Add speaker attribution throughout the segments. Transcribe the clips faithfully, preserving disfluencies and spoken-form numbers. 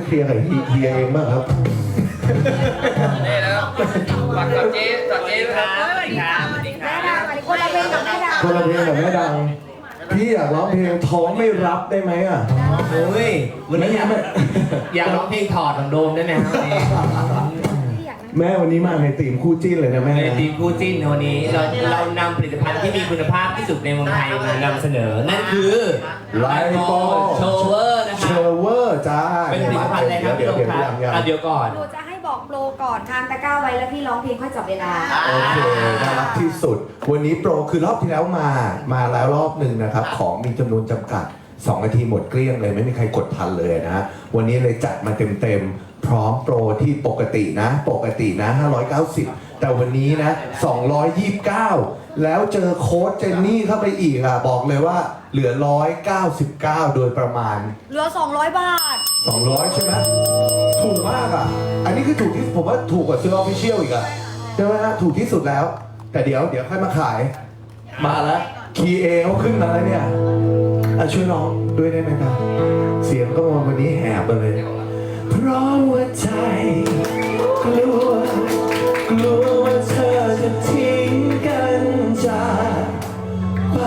Speaker 1: เคลียร์กับเฮียเองบ้างครับ
Speaker 2: นี่แล้วฝากกับเจ๊ฝากเจ๊ครับสวัสดีครับสวัสดีครับ
Speaker 3: คนละเพลงกับแม่ดาว
Speaker 1: คนละเพลงกับแม่ดังพี่อยากร้องเพลงท้องไม่รับได้ไหมอ่ะ
Speaker 4: โอ้ยวันนี้อยากอยากร้องเพลงถอดของโดมได้ไหมครับ
Speaker 1: แม่วันนี้มาในธีมคู่จิ้นเลยนะแม่
Speaker 4: ในทีมคู่จิ้นวันนี้เราเรานำผลิตภัณฑ์ที่มีคุณภาพที่สุดในเมืองไทยมานำเสนอนั่นคือ
Speaker 1: ไลโป
Speaker 4: โชเวอร์นะค
Speaker 1: เช
Speaker 4: รับ
Speaker 1: เวอร์จ้า
Speaker 4: เป็นผลิตภัณฑ์อะไรครับพี่โดมครับอ่ะเดี๋ยวก่อน
Speaker 3: หนูจะให้บอกโปรก่อนทางตะกร้าไว้แล้วพี่ร้องเพลงค่อยจับเวลา
Speaker 1: โอเคน่ารักที่สุดวันนี้โปรคือรอบที่แล้วมามาแล้วรอบหนึ่งนะครับของมีจำนวนจำกัดสองนาทีหมดเกลี้ยงเลยไม่มีใครกดทันเลยนะวันนี้เลยจัดมาเต็มๆพร้อมโปรที่ปกตินะปกตินะห้าร้อยเก้าสิบแต่วันนี้นะสองร้อยยี่สิบเก้าแล้วเจอโค้ดเจนนี่เข้าไปอีกอ่ะบอกเลยว่าเหลือหนึ่งร้อยเก้าสิบเก้าโดยประมาณ
Speaker 3: เหลือสองร้อยบาท
Speaker 1: สองร้อยใช่ไหมถูกมากอ่ะอันนี้คือถูกที่ผมว่าถูกกว่าซื้อออฟฟิเชียลอีกอ่ะใช่ไหมฮะถูกที่สุดแล้วแต่เดี๋ยวเดี๋ยวค่อยมาขายมาแล้วคีย์เอเขาขึ้นมาแล้วเนี่ยอ่ะช่วยน้องด้วยได้ไหมครับเสียงก็วันนี้แหบไปเลยเพราะว่าใจกลัวกลัวว่าเธอจะทิ้งกันจากไป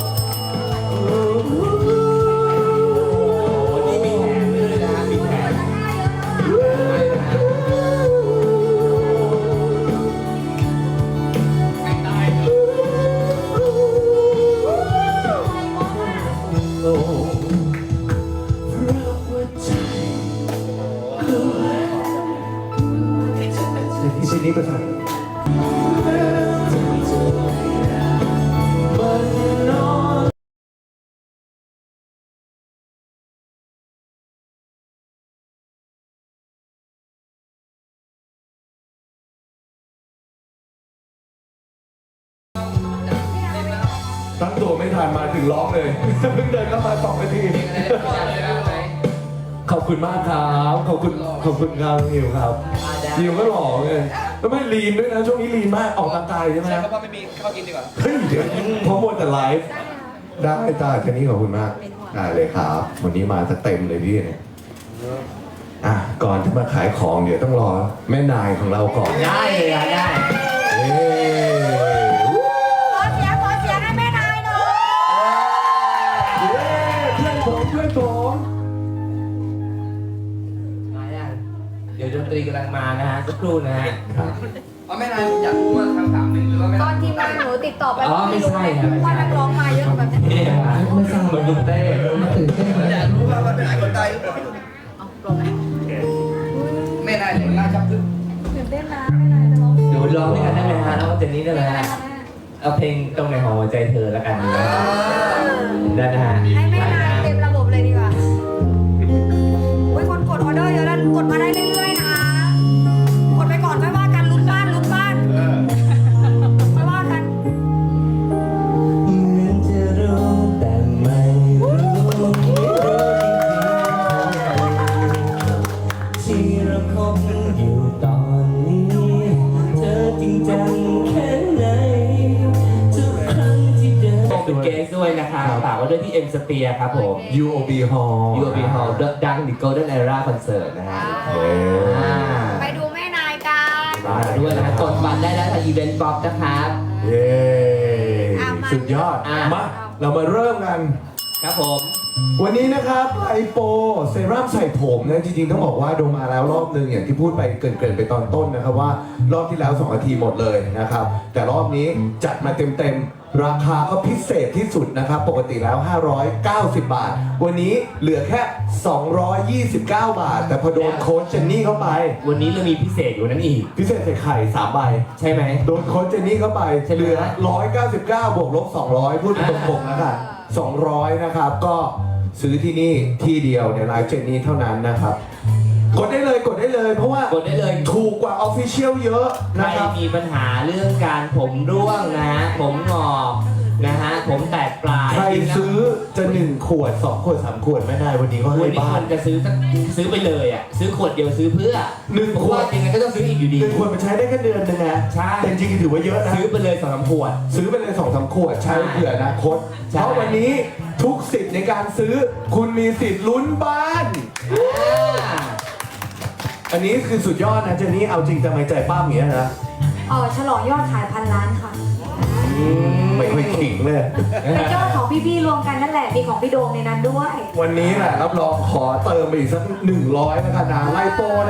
Speaker 4: วันนี้มีแถมด้วยนะมีแถม
Speaker 1: ทีนี้ประสานตั้งตัวไม่ทันมาถึงร้องเลยเพิ่งเดินเข้ามาสองนาทีขอบคุณมากครับขอบคุณขอบคุณครับนิวครับนิวก็หล่อเลยแล้วไม่ลีนด้วยนะช่วงนี้ลีนมากออกกำลังกายใช่ไหม
Speaker 2: ใช่เพราะว่าไม่มีข้าวกินดีกว่า
Speaker 1: เฮ้ยเดี๋ยวเพราะมัวแต่ไลฟ์ได้จ้าแค่นี้ขอบคุณมากได้เลยครับวันนี้มาจะเต็มเลยพี่เนี่ยอ่ะก่อนที่มาขายของเดี๋ยวต้องรอแม่นายของเราก่อน
Speaker 4: ได้เลยได้
Speaker 1: เฮ้
Speaker 3: ขอเสียงขอเสียงให้แม่นายหน่อย
Speaker 1: เพื่อนผมเพื่อนผม
Speaker 4: เดี๋ยวดนตรีกำลังมานะฮะสักครู่นะฮะครับ
Speaker 2: เอาไม่นานอยากรู้ว่าคำถามหนึ่งหรือว่าไม่
Speaker 3: ตอนทีมงานหนูติดต่อไป
Speaker 4: อ๋อไม่ใช่ครับ
Speaker 3: ว่านักร้องมาเยอะแบบนี้
Speaker 4: ไม่ทราบเหมือนลุงเต้มาตื่นเต้น
Speaker 2: อยากรู้ว่าว่าเป็นคนใดหรือเปล่า
Speaker 3: เอาปลงไหม
Speaker 2: ไม่นานเลยน่าจับตึ้ง
Speaker 3: ตื่นเต้นนะแม่นายจะร้อง
Speaker 4: เดี๋ยวร้องด้วยกันได้ไหมฮะแล้วก็เจนนี่ได้ไหมฮะเอาเพลงตรงไหนของหัวใจเธอแล้วกันนะได้นะฮะ
Speaker 3: ให้แม่นายเต็มระบบเลยดีกว่าอุ้ยคนกดออเดอร์เยอะแล้วกดมาได้เรื่อยๆนะกดไปก่อนไม่ว่ากันลุ้นบ้านลุ้นบ้านไม่ว่ากัน
Speaker 4: เหมือนจะรู้แต่ไม่รู้ที่เราคบอยู่ตอนนี้เธอจริงจังแค่ไหนทุกครั้งที่เดินเป็นเกสด้วยนะคะฝากไว้ด้วยที่เอ็มสเปียร์ครับผม
Speaker 1: ยู โอ บี Hall
Speaker 4: ยู โอ บี Hall ดัง The Golden Era Concert นะฮะ
Speaker 3: ไปดูแม่นายกัน
Speaker 4: มาด้วยนะกดบัตรได้แล้วทางอีเวนต์ป๊อปนะครับ
Speaker 1: เย้สุดยอดมาเรามาเริ่มกัน
Speaker 4: ครับผม
Speaker 1: วันนี้นะครับไอโปเซรั่มใส่ผมนะจริงๆต้องบอกว่าโดมมาแล้วรอบนึงอย่างที่พูดไปเกริ่นๆไปตอนต้นนะครับว่ารอบที่แล้วสองนาทีหมดเลยนะครับแต่รอบนี้จัดมาเต็มๆราคาก็พิเศษที่สุดนะครับปกติแล้วห้าร้อยเก้าสิบบาทวันนี้เหลือแค่สองร้อยยี่สิบเก้าบาทแต่พอโดนโค้ชเจนนี่เข้าไป
Speaker 4: วันนี้เรามีพิเศษอยู่นั่นอีก
Speaker 1: พิเศษใส่ไข่สามใบ
Speaker 4: ใช่ไหม
Speaker 1: โดนโค้ชเจนนี่เข้าไปเหลือหนึ่งร้อยเก้าสิบเก้าบวกลบสองร้อยพูดเป็นตรงๆนะครับสองร้อยนะครับก็ซื้อที่นี่ที่เดียวในไลฟ์เจนนี่เท่านั้นนะครับกดได้เลยกดได้เลยเพราะว่าก
Speaker 4: ดได้เลย
Speaker 1: ถูกกว่าออฟฟิเชียลเยอะนะครับ
Speaker 4: ใครมีปัญหาเรื่องการผมร่วงนะฮะผมงอกนะฮะผมแตกปลาย
Speaker 1: ใครซื้อจะหนึ่งขวดสองขวดสามขวดไม่ได้วันนี้ก็ให้บ้าน
Speaker 4: จะซื้อซื้อไปเลยอ่ะซื้อขวดเดียวซื้อเพื่อ
Speaker 1: หนึ่งขวด
Speaker 4: ยังไงก็ต้องซื้ออีกอยู่ดี
Speaker 1: หนึ่งขวดมันใช้ได้แค่เดือนนึงนะ
Speaker 4: ใช่
Speaker 1: แต่จริงๆถือว่าเยอะนะ
Speaker 4: ซื้อไปเลยสองสามขวด
Speaker 1: ซื้อไปเลยสองสามขวดใช้เผื่ออนาคตเพราะวันนี้ทุกสิทธิ์ในการซื้อคุณมีสิทธิ์ลุ้นบ้านอันนี้คือสุดยอดนะเจนนี่เอาจริงแต่ไม่ใจป้าอย่างเงี้ยนะ
Speaker 3: เออฉลองยอดขายพันล้านค่ะ
Speaker 1: ไม่ค่อยขิงเลย
Speaker 3: เป็นยอดของพี่ๆรวมกันนั่นแหละ มีของพี่โดมในนั้นด้วย
Speaker 1: วันนี้แหละรับรองขอเติมไปอีกสักหนึ่งร้อยแล้วกันนะไลโปนะ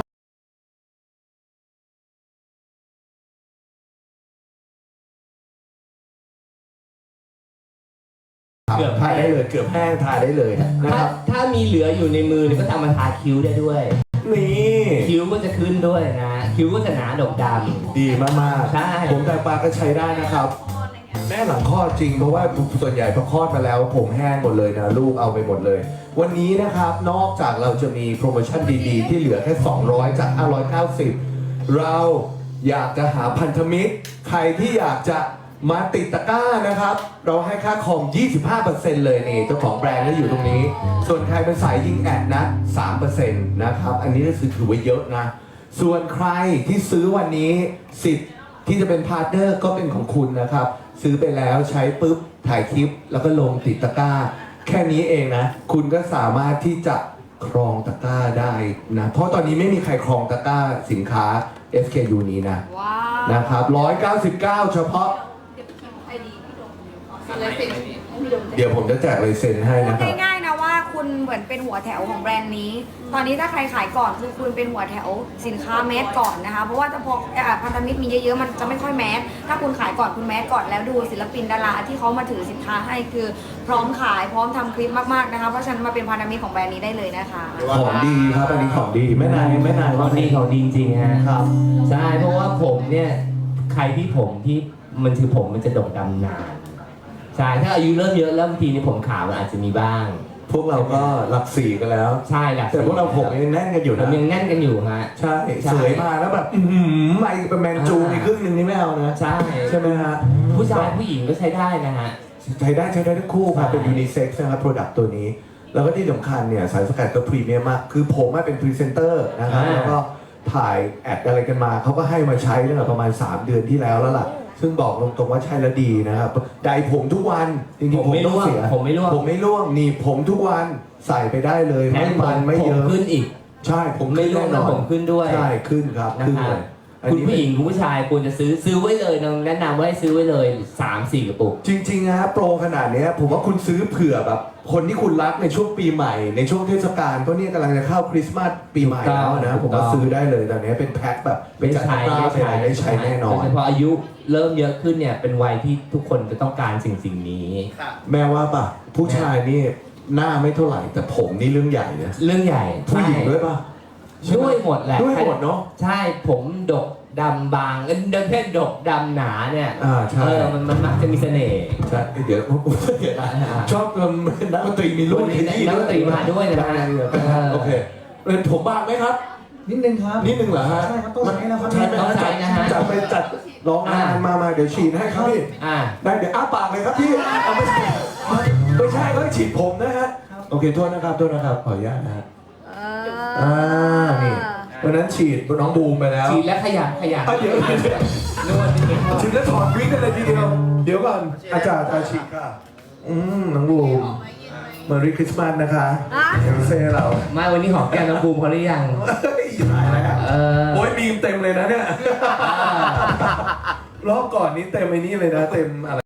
Speaker 1: เกือบทายได้เลยเกือบแห้งทายได้เลยนะค
Speaker 4: ถ้า
Speaker 1: รับ
Speaker 4: ถ้ามีเหลืออยู่ในมือเนี่ยก็ทำมาทาคิ้วได้ด้วย
Speaker 1: นี่
Speaker 4: คิ้วก็จะขึ้นด้วยนะ คิ้วก็จะหนาดกด
Speaker 1: ดีมากๆ
Speaker 4: ใช่
Speaker 1: ผมแต่ปลาก็ใช้ได้นะครับ แม่หลังคลอดจริงเพราะว่าส่วนใหญ่พอคลอดมาแล้วผมแห้งหมดเลยนะลูกเอาไปหมดเลย วันนี้นะครับนอกจากเราจะมีโปรโมชั่นดีๆ ที่เหลือแค่สองร้อยจากห้าร้อยเก้าสิบเราอยากจะหาพันธมิตร ใครที่อยากจะมาติดตะกร้านะครับ เราให้ค่าคอม ยี่สิบห้าเปอร์เซ็นต์ เลยนี่เจ้าของแบรนด์ก็อยู่ตรงนี้ ส่วนใครเป็นสายยิงแอดนะ สามเปอร์เซ็นต์ นะครับ อันนี้ก็ถือว่าเยอะนะ ส่วนใครที่ซื้อวันนี้สิทธิ์ที่จะเป็นพาร์ทเนอร์ก็เป็นของคุณนะครับ ซื้อไปแล้วใช้ปุ๊บถ่ายคลิปแล้วก็ลงติดตะกร้า แค่นี้เองนะ คุณก็สามารถที่จะครองตะกร้าได้นะ เพราะตอนนี้ไม่มีใครครองตะกร้าสินค้า เอส เค ยู นี้นะ
Speaker 3: ว้าว
Speaker 1: นะครับหนึ่งร้อยเก้าสิบเก้าเฉพาะ
Speaker 3: ไอดีพี่โดม
Speaker 1: เดี๋ยวผมจะแจกลายเซ็นให้
Speaker 3: พู
Speaker 1: นะ
Speaker 3: ด
Speaker 1: ครับ
Speaker 3: ง่ายๆนะว่าคุณเหมือนเป็นหัวแถวของแบรนด์นี้ ตอนนี้ถ้าใครขายก่อนคือคุณเป็นหัวแถวสินค้าแมสก่อนนะคะ เพราะว่าจะพอเอ่อพันธมิตรมีเยอะๆมันจะไม่ค่อยแมส ถ้าคุณขายก่อนคุณแมสก่อนแล้วดูศิลปินดาราที่เขามาถือสินค้าให้คือพร้อมขายพร้อมทำคลิปมากๆนะคะ เพราะฉะนั้นมาเป็นพันธมิตรของแบรนด์นี้ได้เลยนะคะ
Speaker 1: ของดีครับอันนี้ของดีแม่นายแม่นาย
Speaker 4: ของดีของดีจริงๆฮะ
Speaker 1: ครับ
Speaker 4: ใช่เพราะว่าผมเนี่ยใครที่ผมที่มันคือผมมันจะดกดำนานใช่ถ้าอายุเริ่มเยอะเริ่มทีนี่ผมขาวมันอาจจะมีบ้าง
Speaker 1: พวกเราก็หลักสี่กันแล้ว
Speaker 4: ใช่แหละ
Speaker 1: แต่พวกเราผมยังแน่นกันอยู่
Speaker 4: ผ
Speaker 1: นะ
Speaker 4: มยังแน่นกันอยู่ฮะ
Speaker 1: ใช่
Speaker 4: ใช่
Speaker 1: สวยมาแล้วแบบอื้อหือไม่เป็นแมนจู
Speaker 4: อ่า
Speaker 1: อีกครึ่งหนึ่งนี่ไม่เอานะ
Speaker 4: ใช่
Speaker 1: ใช่ไหมฮะ
Speaker 4: ผู้ชายผู้หญิงก็ใช้ได้นะฮะ
Speaker 1: ใช้ได้ใช้ได้ทั้งคู่ครับ
Speaker 4: ใช่
Speaker 1: เป็นยูนิเซ็กซ์นะครับโปรดักต์ตัวนี้ แล้วก็ที่สำคัญเนี่ยสารสกัดก็พรีเมียมมาก คือผมอะเป็นพรีเซนเตอร์นะครับแล้วก็ถ่ายแอดอะไรกันมาเขาก็ให้มาใช้ตั้งแต่ประมาณ สาม เดือนที่แล้วแล้วล่ะ ซึ่งบอกตรงๆว่าใช่แล้วดีนะครับไดร์ผมทุกวันจริงๆ
Speaker 4: ผมไม่
Speaker 1: ต้องเสีย
Speaker 4: ร่วงผมไม่ร่วง
Speaker 1: ผมไม่ร่วงหนีบผมทุกวันใส่ไปได้เลย
Speaker 4: แถ
Speaker 1: ไม่
Speaker 4: ม
Speaker 1: มันไม่
Speaker 4: ผ
Speaker 1: เย
Speaker 4: ม
Speaker 1: อะ
Speaker 4: ขึ้นอีก
Speaker 1: ใช่ผม
Speaker 4: ไม่ร่วง
Speaker 1: แน่น
Speaker 4: แล้ว
Speaker 1: อน
Speaker 4: ผมขึ้นด้วย
Speaker 1: ใช่ขึ้นครับ
Speaker 4: นะ
Speaker 1: ขึ้น
Speaker 4: ครั
Speaker 1: เล
Speaker 4: บ
Speaker 1: ยอัน
Speaker 4: คุณ
Speaker 1: นี้
Speaker 4: ผู้หญิงคุณผู้ชายควรจะซื้อซื้อไว้เลยนะแนะนำว่าให้ซื้อไว้เลยสามสี่กระปุก
Speaker 1: จริงๆนะโปรขนาดเนี้ยผมว่าคุณซื้อเผื่อแบบ คนที่คุณรักในช่วงปีใหม่ ในช่วงเทศกาลเพราะเนี่ยกำลังจะเข้าคริสต์มาสปีใหม่แล้วนะ
Speaker 4: ถู
Speaker 1: ผม
Speaker 4: กต้อง
Speaker 1: ว่าซื้อได้เลยตอนนี้เป็นแพ็คแบบเป็นจัดตะกร้าไปอะไรได้ใช้แน่นอ
Speaker 4: โด
Speaker 1: น
Speaker 4: ยเฉพาะอายุเริ่มเยอะขึ้นเนี่ยเป็นวัยที่ทุกคนจะต้องการสิ่งสิ่งนี้
Speaker 1: แม่ว่าป่ะผู้ชายนี่หน้าไม่เท่าไหร่แต่ผมนี่เรื่องใหญ่นะ
Speaker 4: เรื่องใหญ่
Speaker 1: ผู้หญิงด้วยป่ะใช่ไ
Speaker 4: ด้วยหมดแหละ
Speaker 1: ด้วยหมดเนาะ
Speaker 4: ใช่ผมดกดำบางเอ้ยเดินเพศดกดำหนาเนี่ย
Speaker 1: อ่าใช่
Speaker 4: เออมันมันมักจะมีเสน่ห์
Speaker 1: ใช่เดี๋ยวเดี๋ยวนะชอบนักดนตรีมีลูก
Speaker 4: วันนี้นักดนตรีมาด้วยนะ
Speaker 1: ได้เลยโอเคเป็นผมบางไหมครับ
Speaker 5: นิดนึงครับ
Speaker 1: นิดนึงเหรอฮะ
Speaker 5: ใช่ครับต้องใช้นะครับ
Speaker 1: ใช่ไหม
Speaker 4: ต้องใช้นะฮะ
Speaker 1: จัดไปจัดร้องงานมามาเดี๋ยวฉีดให้ครับพี่
Speaker 4: อ่า
Speaker 1: ได้เดี๋ยวอ้าปากเลยครับพี่เอาไม่ใช่ไม่ใช่เขาฉีดผมนะฮะโอเคโทษนะครับโทษนะครับขออนุญาตนะฮะ
Speaker 3: เอ
Speaker 1: อ่านี่วันนั้นฉีดน้องบูมไปแล้ว
Speaker 4: ฉีดและขยับขยับ
Speaker 1: อ่ะเดี๋ยวเดี๋ยว
Speaker 4: นวดนิดนึง
Speaker 1: ฉีดแล้วถอดวิกกันเลยทีเดียวเดี๋ยวก่อนอาจารย์อาฉีดค่ะอืมน้องบูมเมอรี่คริสต์มาสนะคะ
Speaker 3: อ่ะ
Speaker 1: เอลเซ่เรา
Speaker 4: มาวันนี้หอมแก้มน้องบูมเขาหรือยัง
Speaker 1: เฮ้ยตายแล้ว
Speaker 4: เออ
Speaker 1: โอ้ยมีมเต็มเลยนะเนี่ยรอบก่อนนี้เต็มไอ้นี่เลยนะเต็มอะไร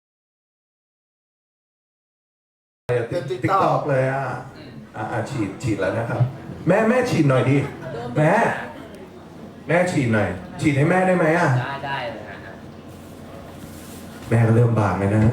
Speaker 1: ติ๊กตอกเลยอ่ะอ่าฉีดฉีดแล้วนะครับ แม่แม่ฉีดหน่อยดิแม่แม่ฉีดหน่อย ฉีดให้แม่ได้ไหมอ่ะ
Speaker 4: ได้ได้เลยฮะ
Speaker 1: แม่ก็เริ่มบางเลยนะ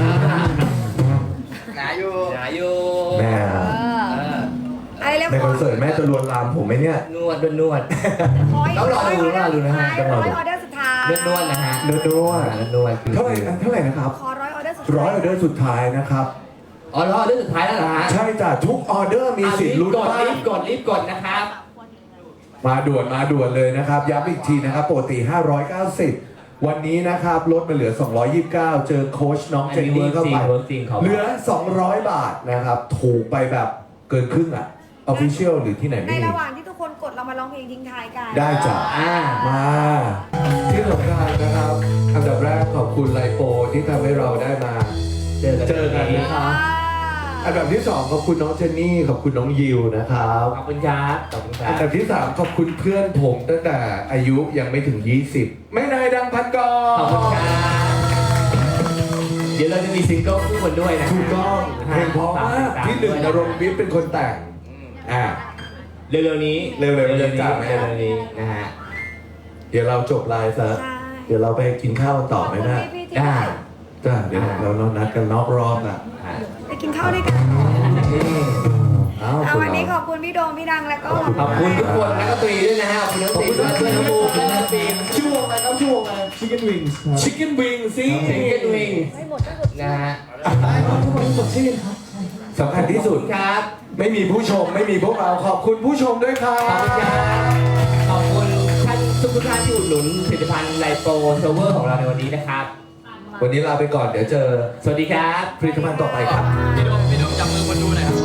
Speaker 2: หนาอยู่
Speaker 4: หนาอยู่
Speaker 1: แม่
Speaker 3: เอ
Speaker 1: อะ
Speaker 3: อ
Speaker 4: เออ
Speaker 3: ไอ้เรียบ
Speaker 1: ในค
Speaker 3: ร้
Speaker 1: อ
Speaker 3: อน ย
Speaker 1: เสิร์ตแม่จะลวนลามผมไหมเนี่ย
Speaker 4: นวดนวด
Speaker 3: ร้อย
Speaker 4: ต้องรอดู
Speaker 3: ร้อย
Speaker 4: รอดูนะฮะ
Speaker 3: ร้อยออเดอร์สุดท้าย
Speaker 4: นวดนวดนะฮะ
Speaker 1: เดินด้วย
Speaker 4: นวดนวดคือ
Speaker 1: เท่าไหร่เท่าไหร่นะครับ
Speaker 3: ขอร้อยออเดอร์สุดท้าย
Speaker 1: ร้อยออเดอร์สุดท้ายนะครับ
Speaker 4: อ๋อรอเรื่องสุดท้ายแล้วเหรอฮะ
Speaker 1: ใช่จ้ะทุกออเดอร์มีสิทธิ์ลุ้น
Speaker 4: กด
Speaker 1: บ้า
Speaker 4: รี
Speaker 1: ง
Speaker 4: บกดรีบกดนะครับ
Speaker 1: มาด่วนมาด่วนเลยนะครับย้ำอีกทีนะครับปกติห้าร้อยเก้าสิบวันนี้นะครับลดมาเหลือสองร้อยยี่สิบเก้าเจอโค้ชน้องเจนนี่เข้าไป
Speaker 4: เวิร์กจริงเขา
Speaker 1: เหลือสองร้อยบาทนะครับถูกไปแบบเกินครึ่งอ่ะออฟฟิเชียลหรือที่ไหน
Speaker 3: ใน
Speaker 1: ไม่มี
Speaker 3: ระหว่างที่ทุกคนกดเรามาร้องเพลงทิ้งท้ายกัน
Speaker 1: ได้จ้ะ
Speaker 4: อ่า
Speaker 1: มาที่สำคัญนะครับอันดับแรกขอบคุณไลโปที่ทำให้เราได้มา
Speaker 4: เจอกัน
Speaker 1: เจอกันนะค
Speaker 3: อ่า
Speaker 1: รับอันดับที่สองขอบคุณน้องเจนนี่ขอบคุณน้องยิวนะครับ
Speaker 4: ขอบคุณครับขอบคุณครั
Speaker 1: อั
Speaker 4: บ
Speaker 1: นดับที่สามขอบคุณเพื่อนผมตั้งแต่อายุยังไม่ถึงยี่สิบไม่นายดังพันกร
Speaker 4: ขอบคุณครับเดี๋ยวเราจะมีซิงเกิลคู่กันด้วยนะ
Speaker 1: ถูกต้องเพลงเพราะมากพี่หนึ่งนรงค์วิทย์เป็นคนแต่งอ่า
Speaker 4: เร็วๆนี้
Speaker 1: เร็วๆนี้
Speaker 4: เร็วๆ
Speaker 1: จ้ะ
Speaker 4: นี้เร็วๆนี้นะฮะ
Speaker 1: เดี๋ยวเราจบไลฟ์ซะ
Speaker 3: ใช่
Speaker 1: เดี๋ยวเราไปกินข้าวกันต่อไหมนะ
Speaker 3: พี่ๆที่
Speaker 4: ได้
Speaker 1: จ้าเดี๋ยวเราเรานัดกันนอกรอบนะ
Speaker 3: ไปกินข้าวด้วยกัน
Speaker 1: อ้าว
Speaker 3: เอา
Speaker 1: คน
Speaker 3: วันนี้ข
Speaker 1: เรา
Speaker 3: อบคุณพี่โดมพี่ดังแล้วก็
Speaker 4: ขอบคุณทุกคนนักดนตรีด้วยนะฮะขอบคุณนักดนตรีด้วยด้วยน้องบูมและนักดนตรีชื่อวงอะไรครับชื่อวงอะไร
Speaker 1: Chicken Wings Chicken Wings สิ
Speaker 4: เซนเกตวิงนะฮะ
Speaker 1: สำคัญที่สุด
Speaker 4: ครับ
Speaker 1: ไม่มีผู้ชมไม่มีพวกเราขอบคุณผู้ชมด้วยครั
Speaker 4: ขอบคุณครับ บขอบคุณท่านทุกท่านที่อุดหนุนผลิตภัณฑ์ไลโปเซอร์เวอร์ของเราในวันนี้นะครับ
Speaker 1: วันนี้ลาไปก่อนเดี๋ยวเจอ
Speaker 4: สวัสดีครับ
Speaker 1: ผลิตภัณฑ์ต่อไปครับ
Speaker 2: พี่โดมพี่โดมจับมือคนดูหน่อยครับ